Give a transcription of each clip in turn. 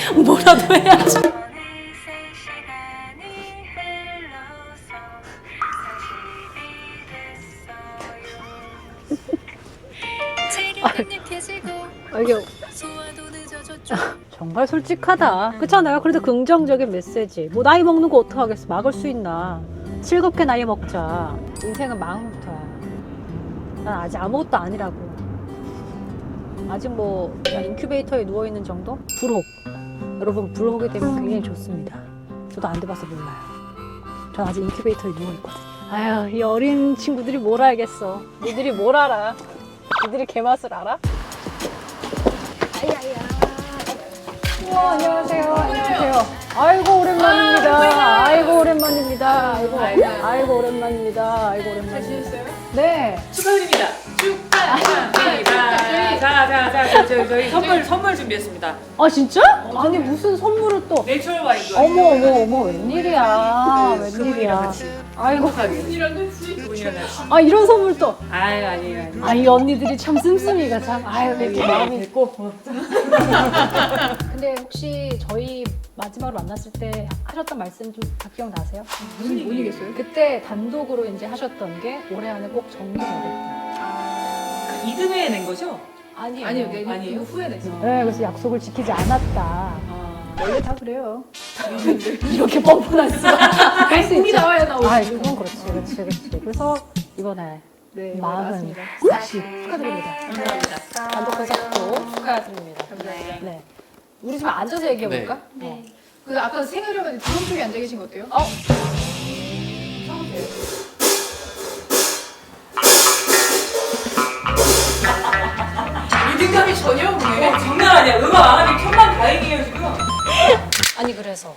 뭐라도 해야지. 이게 정말 솔직하다. 그렇잖아요. 그래도 긍정적인 메시지. 뭐 나이 먹는 거 어떡하겠어. 막을 수 있나. 즐겁게 나이 먹자. 인생은 마음부터야. 난 아직 아무것도 아니라고. 아직 뭐 그냥 인큐베이터에 누워있는 정도? 불혹. 여러분 불혹이 되면 굉장히 좋습니다. 저도 안 돼봐서 몰라요. 전 아직 인큐베이터에 누워있거든요. 아휴, 이 어린 친구들이 뭘 알겠어. 니들이 뭘 알아. 니들이 개맛을 알아? 아야야. 우와, 안녕하세요. 안녕하세요. 아이고 오랜만입니다. 아이고 오랜만입니다. 아이고 오랜만입니다. 아이고 오랜만입니다. 잘 지냈어요? 네. 축하드립니다. 축하드립니다. 자, 저희 선물 준비했습니다. 아 진짜? 아니 무슨 선물을 또? 내추럴 와인. 어머 웬일이야. 웬일이야. 아이고. 그분이랑 같이. 아 이런 선물 또. 아유 아니에요. 아 이 언니들이 참 씀씀이가 참. 아유 이렇게 마음이. 됐고. 근데 혹시 저희 마지막으로 만났을 때 하셨던 말씀 좀 다 기억나세요? 무슨 얘기겠어요? 그때 단독으로 이제 하셨던 게 올해 안에 꼭 정리해야 겠다. 이듬해에 낸 거죠? 아니에요. 아니에요. 후에 냈어. 네, 그래서 약속을 지키지 않았다. 원래 다 그래요. 이렇게 뻔뻔할 수가. 할수 꿈이 나와야 나오지. 아, 그건 그렇지. 그래서 이번에 네, 마흔 맞습니다. 40 축하드립니다. 감사합니다. 단독 콘서트도 축하드립니다. 감사합니다. 네. 우리 좀 앉아서 얘기해 볼까? 네. 그 아까 생활이가 드럼 쪽에 앉아 계신 거 어때요? 리듬감이 전혀 없네. 장난 아니야. 음악 안 하니 천만 다행이에요 지금. 아니 그래서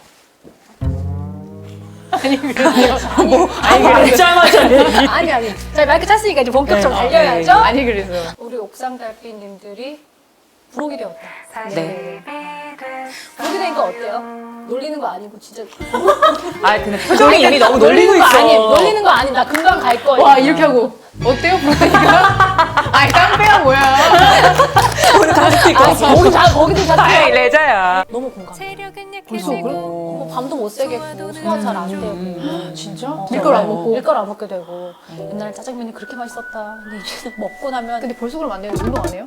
알자마자 얘기. 아니. 자 마이크 찼으니까 이제 본격적으로 네. 달려야죠. 아니 그래서. 우리 옥상 달빛님들이 부록이 되었다. 네. 부록이 되니까 어때요? 놀리는 거 아니고 진짜 아 근데 표정이 이미 너무 놀리고 있어. 아니 놀리는 거 아니. 나 금방 갈 거야. 와 이렇게 하고 어때요 부르니까? 아니 깡패야 뭐야? 오늘 가족도 있고. 거기도 다 아이 레자야. 너무 공감해. 벌써 그래? 뭐 밤도 못 새겠고 소화 잘 안 되고 진짜? 밀가루 안 먹고 밀가루 안 먹게 되고 옛날에 짜장면이 그렇게 맛있었다. 근데 이제는 먹고 나면 근데 벌써 그러면 안 돼요. 운동 안 해요?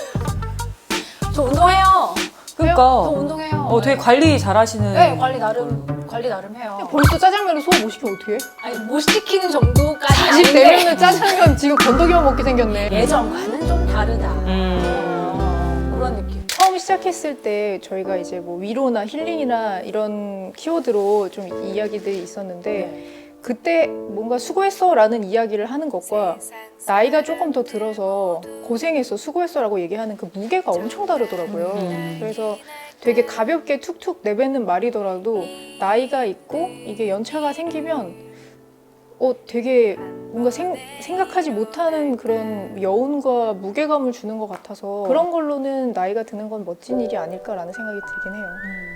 저 운동해요. 그러니까. 저 운동해요. 되게 관리 잘하시는. 네 관리 나름 해요. 벌써 짜장면을 소화 못 시키면 어떡해? 아니 못 시키는 정도까지 40 되면은 짜장면 지금 건더기만 먹게 생겼네. 예전과는 좀 다르다. 그런 느낌. 처음 시작했을 때 저희가 이제 뭐 위로나 힐링이나 이런 키워드로 좀 이야기들이 있었는데 그때 뭔가 수고했어 라는 이야기를 하는 것과 나이가 조금 더 들어서 고생했어 수고했어 라고 얘기하는 그 무게가 엄청 다르더라고요. 그래서 되게 가볍게 툭툭 내뱉는 말이더라도 나이가 있고 이게 연차가 생기면 되게 뭔가 생각하지 못하는 그런 여운과 무게감을 주는 것 같아서 그런 걸로는 나이가 드는 건 멋진 일이 아닐까라는 생각이 들긴 해요.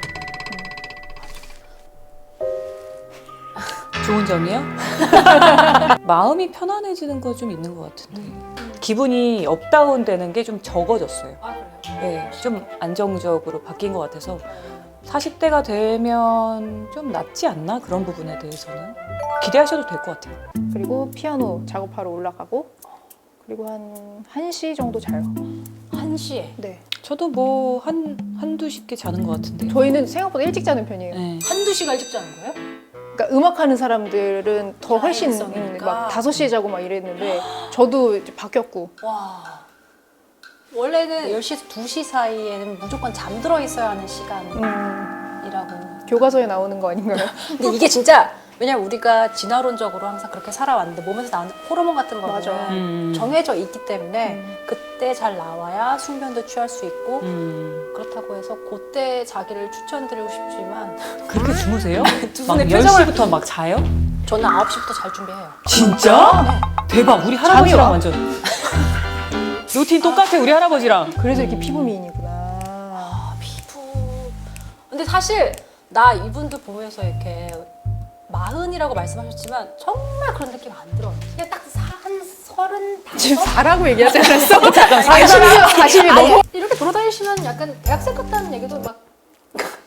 좋은 점이요? 마음이 편안해지는 거 좀 있는 것 같은데 기분이 업다운 되는 게 좀 적어졌어요. 아 그래요? 네, 좀 안정적으로 바뀐 것 같아서 40대가 되면 좀 낫지 않나? 그런 부분에 대해서는 기대하셔도 될 것 같아요. 그리고 피아노 작업하러 올라가고 그리고 한 1시 정도 자요. 1시에 네. 저도 뭐 한두 쉽게 자는 것 같은데요. 저희는 생각보다 일찍 자는 편이에요. 네. 한두 시간 일찍 자는 거예요? 그러니까 음악하는 사람들은 더 훨씬 야행성이니까. 막 5시에 자고 막 이랬는데 저도 이제 바뀌었고 와. 원래는 10시에서 2시 사이에는 무조건 잠들어 있어야 하는 시간이라고. 교과서에 나오는 거 아닌가요? 근데 이게 진짜 왜냐면 우리가 진화론적으로 항상 그렇게 살아왔는데 몸에서 나오는 호르몬 같은 거는 맞아. 정해져 있기 때문에 그때 잘 나와야 숙면도 취할 수 있고 그렇다고 해서 그때 자기를 추천드리고 싶지만 그렇게 주무세요? 두 막 분의 표정을 10시부터 막 자요? 저는 9시부터 잘 준비해요. 진짜? 대박! 우리 할아버지랑 와? 완전 루틴 똑같아 우리 할아버지랑. 그래서 이렇게 피부 미인이구나. 피부. 근데 사실 나 이분들 보면서 이렇게 40이라고 말씀하셨지만 정말 그런 느낌 안 들어요. 그냥 딱 한 35? 지금 4라고 얘기하지 않았어? 잠깐 40이 넘어. 이렇게 돌아다니시면 약간 대학생 같다는 얘기도 막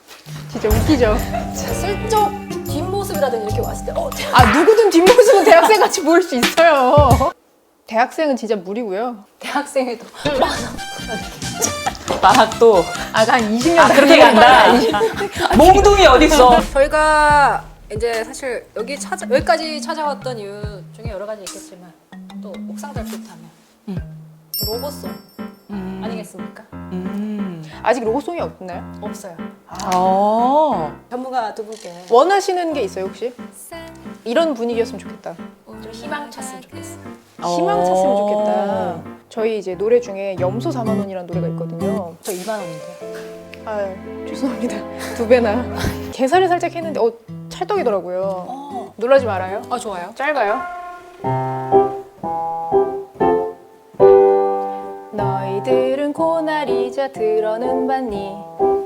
진짜 웃기죠. 슬쩍 뒷모습이라든지 이렇게 왔을 때 아 누구든 뒷모습은 대학생 같이 보일 수 있어요. 대학생은 진짜 무리고요. 대학생에도 만학도 한 20년 그렇게 간다. 몽둥이 어딨어? 저희가 이제 사실 여기까지 찾아왔던 이유 중에 여러 가지 있겠지만 또 옥상 달빛하면 로봇송 아니겠습니까? 아직 로고송이 없나요? 없어요. 전문가 두 분께 원하시는 게 있어요 혹시? 이런 분위기였으면 좋겠다. 좀 희망 찼으면 좋겠어요. 희망 찼으면 좋겠다. 저희 이제 노래 중에 염소 4만 원이라는 노래가 있거든요. 저 2만 원인데요. 아 죄송합니다. 2배나. 계산을 살짝 했는데 찰떡이더라고요. 놀라지 말아요. 아 좋아요. 짧아요. 너희들은 고나리자 들어는 봤니?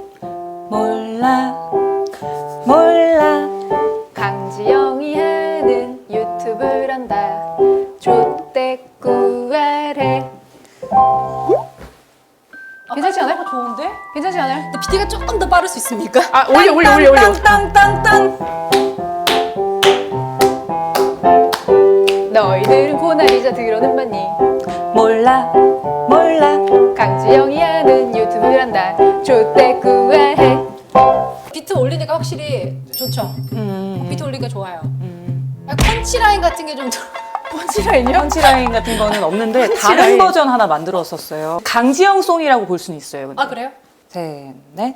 몰라 강지영이 하는 유튜브란다. 조떼꾸알해. 괜찮지 않아요? 좋은데? 괜찮지 않아요? 근데 비트가 조금 더 빠를 수 있습니까? 아 올려. 땅땅땅땅. 너희들은 고나리자 들어는 봤니? 몰라 강지영이 하는 유튜브란다. 조떼꾸알해. 비트 올리니까 확실히 좋죠. 비트 올리니까 좋아요. 펀치라인 같은 게 좀 펀치라인이요? 펀치라인 같은 거는 없는데 다른 버전 하나 만들었었어요. 강지영 송이라고 볼 수는 있어요. 근데. 아 그래요? 셋, 넷.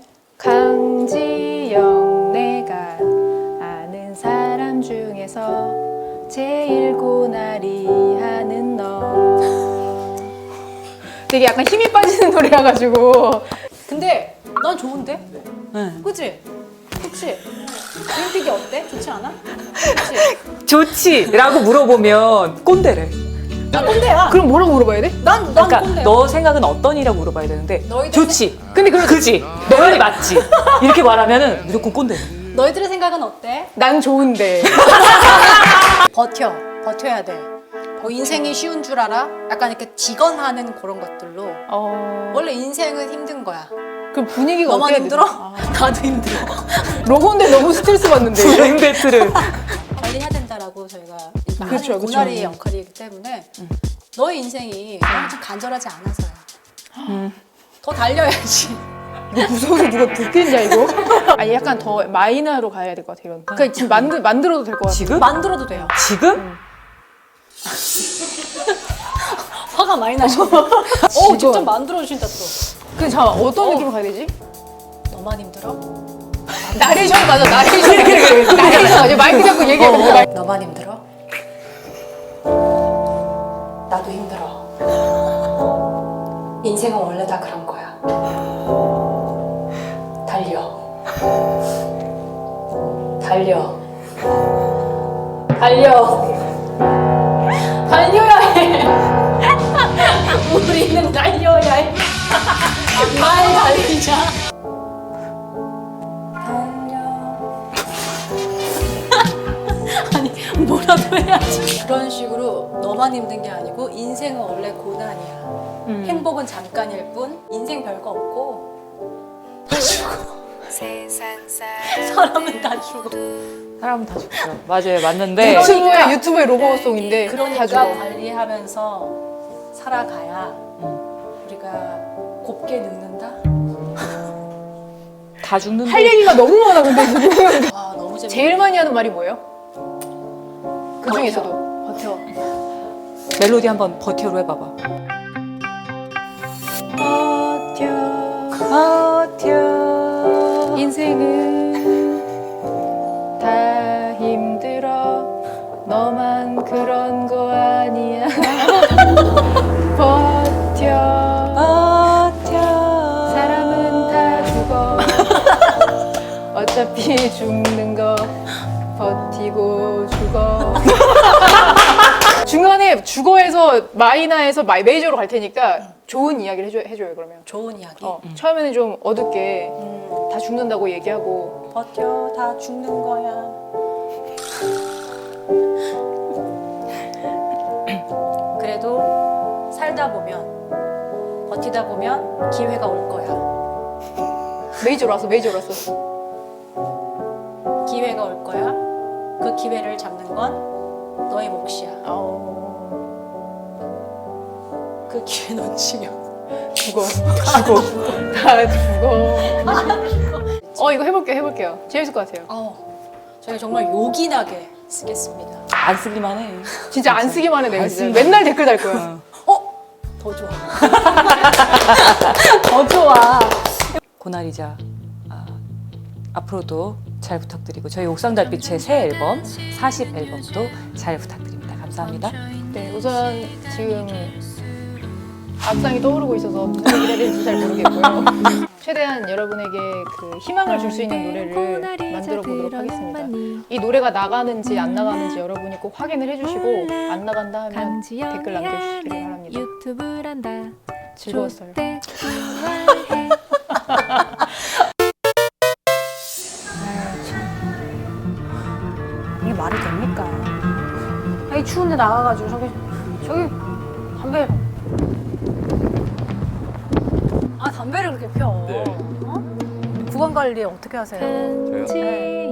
강지영 내가 아는 사람 중에서 제일 고나리 하는 너. 되게 약간 힘이 빠지는 노래여가지고. 근데 난 좋은데? 네. 그치? 그치? 올림픽이 어때? 좋지 않아? 그치? 좋지라고 물어보면 꼰대래. 나 꼰대야. 그럼 뭐라고 물어봐야 돼? 난 그러니까 꼰대야. 너 생각은 어떤이라고 물어봐야 되는데 너희들 좋지. 근데 그지. 너 말이 맞지. 이렇게 말하면은 무조건 꼰대. 너희들의 생각은 어때? 난 좋은데. 버텨야 돼. 뭐 인생이 쉬운 줄 알아? 약간 이렇게 직언하는 그런 것들로 원래 인생은 힘든 거야. 그럼 분위기가 너만 어때야 힘들어? 돼? 나도 힘들어. 로고인데 너무 스트레스 받는데. 불행 배틀을. 관리해야 된다라고 저희가 그쵸, 하는 그쵸. 고나리의 역할이기 때문에 너의 인생이 너무 좀 간절하지 않아서요. 더 달려야지. 이거 무서워서 누가 듣겠냐 이거? 아니 약간 더 마이너로 가야 될 것 같아 이런. 그러니까 지금 만들어도 될 것 같아. 지금? 만들어도 돼요. 지금? 화가 많이 나죠? 지금. 직접 만들어주신다 또. 근데 잠깐 어떤 느낌으로 가야 되지? 너만 힘들어? 나레이션 가자 나레이션. 나레이션 가자. 마이크 잡고 얘기해. 너만 힘들어? 나도 힘들어. 인생은 원래 다 그런 거야. 달려. 달려야 해. 우리는 달려야 해. 말 달리자. 아니 뭐라도 해야지. 그런 식으로 너만 힘든 게 아니고 인생은 원래 고난이야. 행복은 잠깐일 뿐. 인생 별거 없고 다 죽어. 사람은 다 죽어. 사람은 다 죽죠. 맞아요, 맞는데. 유튜브의 로고송인데 그러니까 다 죽어. 관리하면서 살아가야 우리가 곱게 늙는다. 다 죽는데. 할 얘기가 너무 많아 근데 지금. 와 너무 재밌. 제일 많이 하는 말이 뭐예요? 그 중에서도 버텨. 멜로디 한번 버텨로 해봐봐. 버텨. 인생은 다 힘들어. 너만 그런 거 아니야. 버텨. 사람은 다 죽어. 어차피 죽는 거 버티고 죽어. 중간에 죽어에서 마이너에서 메이저로 갈 테니까 좋은 이야기를 해줘요 그러면. 좋은 이야기. 처음에는 좀 어둡게 다 죽는다고 얘기하고. 버텨 다 죽는 거야. 그래도 살다 보면 버티다 보면 기회가 올 거야. 메이저로 왔어. 기회가 올 거야. 그 기회를 잡는 건 너의 몫이야. 그 기회 놓치면 죽어. 다 죽어. 이거 해볼게요. 재밌을 것 같아요. 저희가 정말 요긴하게 쓰겠습니다. 안 쓰기만 해. 진짜 안 쓰기만 해, 내가 안 진짜. 쓰기만 맨날 댓글 달 거야. 더 좋아. 더 좋아. 고나리자 앞으로도 잘 부탁드리고 저희 옥상달빛의 새 앨범 40 앨범도 잘 부탁드립니다. 감사합니다. 네, 우선 지금 앞상이 떠오르고 있어서 무슨 얘기를 해야 될지 잘 모르겠고요. 최대한 여러분에게 그 희망을 줄 수 있는 노래를 만들어 보도록 하겠습니다. 이 노래가 나가는지 안 나가는지 여러분이 꼭 확인을 해주시고 안 나간다 하면 댓글 남겨주시기 바랍니다. 유튜브란다. 즐거웠어요. 이게 말이 됩니까? 이 추운데 나가가지고 저기 담배. 담배를 그렇게 펴. 네. 구강 관리 어떻게 하세요? 편지